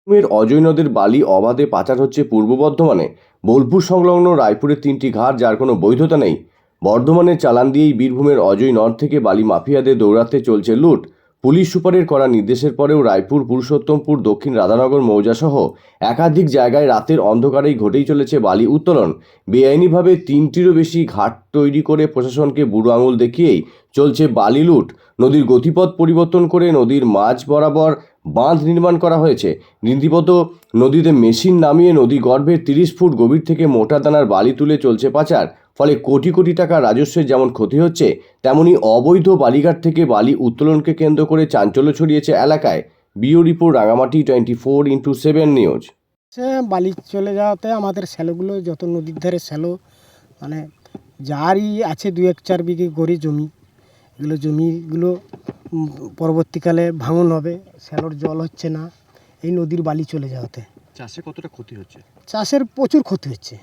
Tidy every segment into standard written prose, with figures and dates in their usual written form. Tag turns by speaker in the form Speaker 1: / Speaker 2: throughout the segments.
Speaker 1: বীরভূমের অজয় নদের বালি অবাধে পাচার হচ্ছে পূর্ব বর্ধমানে। বোলপুর সংলগ্ন রায়পুরের 3টি ঘাট যার কোনো বৈধতা নেই। বর্ধমানের চালান দিয়েই বীরভূমের অজয় নদ থেকে বালি মাফিয়াদের দৌরাত্ম্যে চলছে লুট। পুলিশ সুপারের কড়া নির্দেশের পরেও রায়পুর, পুরুষোত্তমপুর, দক্ষিণ রাধানগর মৌজাসহ একাধিক জায়গায় রাতের অন্ধকারেই ঘটেই চলেছে বালি উত্তোলন। বেআইনিভাবে 3টিরও বেশি ঘাট তৈরি করে প্রশাসনকে বুড়ো আঙুল দেখিয়েই চলছে বালি লুট। নদীর গতিপথ পরিবর্তন করে নদীর মাঝ বরাবর বাঁধ নির্মাণ করা হয়েছে। রীতিমতো নদীতে মেশিন নামিয়ে নদী গর্ভের 30 ফুট গভীর থেকে মোটা দানার বালি তুলে চলছে পাচার। ফলে কোটি কোটি টাকা রাজস্বের যেমন ক্ষতি হচ্ছে, তেমনি অবৈধ বালিঘাট থেকে বালি উত্তোলনকে কেন্দ্র করে চাঞ্চল্য ছড়িয়েছে এলাকায়। বিও রিপোর্ট, রাঙামাটি 24x7 নিউজ।
Speaker 2: বালি চলে যাওয়াতে আমাদের শ্যালোগুলো, যত নদীর ধারে শ্যালো, মানে যারই আছে 2-4 বিঘে গড়ি জমি, এগুলো জমিগুলো পরবর্তীকালে ভাঙন হবে। শ্যালোর জল হচ্ছে না এই নদীর বালি চলে যাওয়াতে।
Speaker 3: চাষে কতটা ক্ষতি হচ্ছে?
Speaker 2: চাষের প্রচুর ক্ষতি হচ্ছে,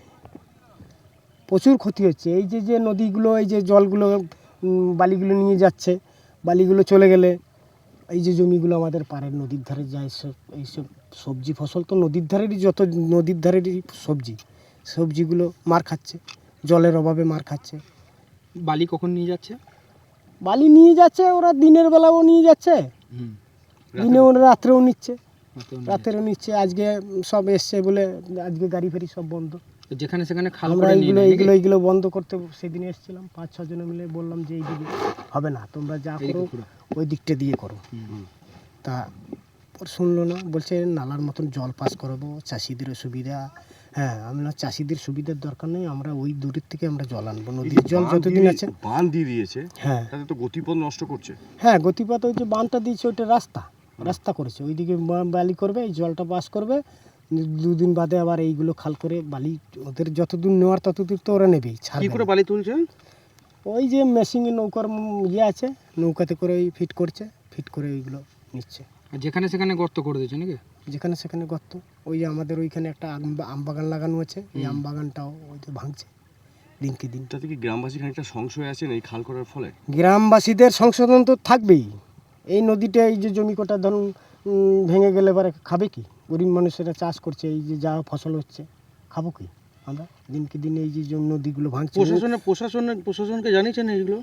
Speaker 2: প্রচুর ক্ষতি হচ্ছে। এই যে নদীগুলো, এই যে জলগুলো বালিগুলো নিয়ে যাচ্ছে, বালিগুলো চলে গেলে এই যে জমিগুলো আমাদের পাড়ের নদীর ধারে যায়, এইসব সবজি ফসল তো নদীর ধারেরই, যত নদীর ধারেরই সবজিগুলো মার খাচ্ছে, জলের অভাবে মার খাচ্ছে।
Speaker 3: বালি কখন নিয়ে যাচ্ছে?
Speaker 2: বালি নিয়ে যাচ্ছে ওরা দিনের বেলাও নিয়ে যাচ্ছে, দিনেও রাত্রেও নিচ্ছে, রাতেরও নিচ্ছে। আজকে সব এসছে বলে আজকে গাড়ি ফেরি সব বন্ধ।
Speaker 3: যেখানে সেখানে
Speaker 2: আমরা এইগুলো বন্ধ করতে সেদিন এসেছিলাম, 5-6 জনে মিলে বললাম যে এই দিকে হবে না, তোমরা যা করো ওই দিকটা দিয়ে করো। তা ওর শুনলো না, বলছে নালার মতন জল পাস করবো, চাষিদের সুবিধা। হ্যাঁ, আমরা চাষিদের সুবিধার দরকার নেই, আমরা ওই দূরের থেকে আমরা জল আনবো। নদীর জল যতদিন আছে
Speaker 4: বাঁধ দিয়ে দিয়েছে,
Speaker 2: হ্যাঁ,
Speaker 4: তাতে তো গতিপথ নষ্ট করছে।
Speaker 2: হ্যাঁ, গতিপথ ওই যে বাঁধটা দিয়েছে, ওইটা রাস্তা করেছে, ওইদিকে বালি করবে, এই জলটা পাস করবে, 2 দিন বাদে আবার এইগুলো খাল করে বালি ওদের যতদূর নেওয়ার ততদূর তো ওরা নেবেই।
Speaker 4: কি করে বালি তুলছে?
Speaker 2: ওই যে মেশিনে নৌকার আছে, নৌকাতে করে ওই ফিট করে ওইগুলো নিচ্ছে।
Speaker 3: যেখানে সেখানে গর্ত করে দিয়েছে নাকি?
Speaker 2: যেখানে সেখানে গর্ত। ওই যে আমাদের ওইখানে একটা আম বাগান লাগানো আছে, এই আম বাগানটাও ওই তো ভাঙছে দিনকে দিন।
Speaker 4: তাতে কি গ্রামবাসী খানিকটা সংশয় আছেন এই খাল করার ফলে?
Speaker 2: গ্রামবাসীদের সংশোধন তো থাকবেই। এই নদীটা, এই যে জমি কটা ধরুন ভেঙে গেলে এবারে খাবে কি? গরিব মানুষেরা চাষ করছে, এই যে যা ফসল হচ্ছে খাবো কি আমরা? দিনকে দিন এই যে নদীগুলো ভাঙছে।
Speaker 4: প্রশাসনকে জানিয়েছেন এইগুলো?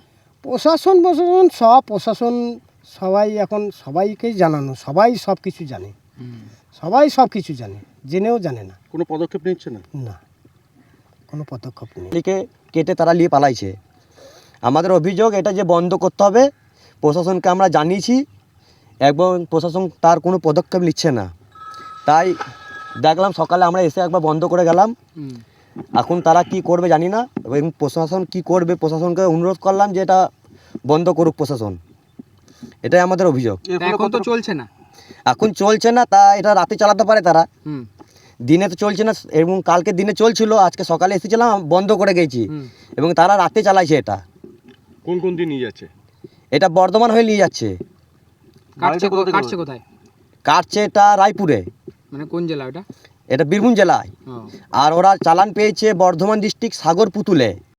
Speaker 2: প্রশাসন সবাই এখন সবাইকেই জানানো, সবাই সব কিছু জানে, সবাই সব কিছু জানে, জেনেও জানে না।
Speaker 4: কোনো পদক্ষেপ নিচ্ছে না?
Speaker 2: না, কোনো পদক্ষেপ নেই।
Speaker 5: কেটে তারা নিয়ে পালাইছে। আমাদের অভিযোগ এটা যে বন্ধ করতে হবে। প্রশাসনকে আমরা জানিয়েছি এবং প্রশাসন তার কোনো পদক্ষেপ নিচ্ছে না। তাই দেখলাম সকালে আমরা এসে একবার বন্ধ করে গেলাম। এখন তারা কি করবে জানি না, এবং প্রশাসন কি করবে, প্রশাসনকে অনুরোধ করলাম যে এটা বন্ধ করুক প্রশাসন। এটাই আমাদের অভিযোগ।
Speaker 3: এখন তো চলছে না,
Speaker 5: এখন চলছে না, তা এটা রাতে চালাতে পারে তারা, দিনে তো চলছে না। এবং কালকে দিনে চলছিল, আজকে সকালে এসেছিলাম বন্ধ করে গেছি, এবং তারা রাতে চালাইছে। এটা
Speaker 4: কোন দিন নিয়ে যাচ্ছে?
Speaker 5: এটা বর্ধমান হয়ে নিয়ে যাচ্ছে।
Speaker 3: কাটছে কোথায়?
Speaker 5: কাটছে এটা রায়পুরে।
Speaker 3: মানে কোন জেলা ওটা?
Speaker 5: এটা বীরভূম জেলায়। আর ওরা চালান পেয়েছে বর্ধমান ডিস্ট্রিক্ট সাগর পুতুলে।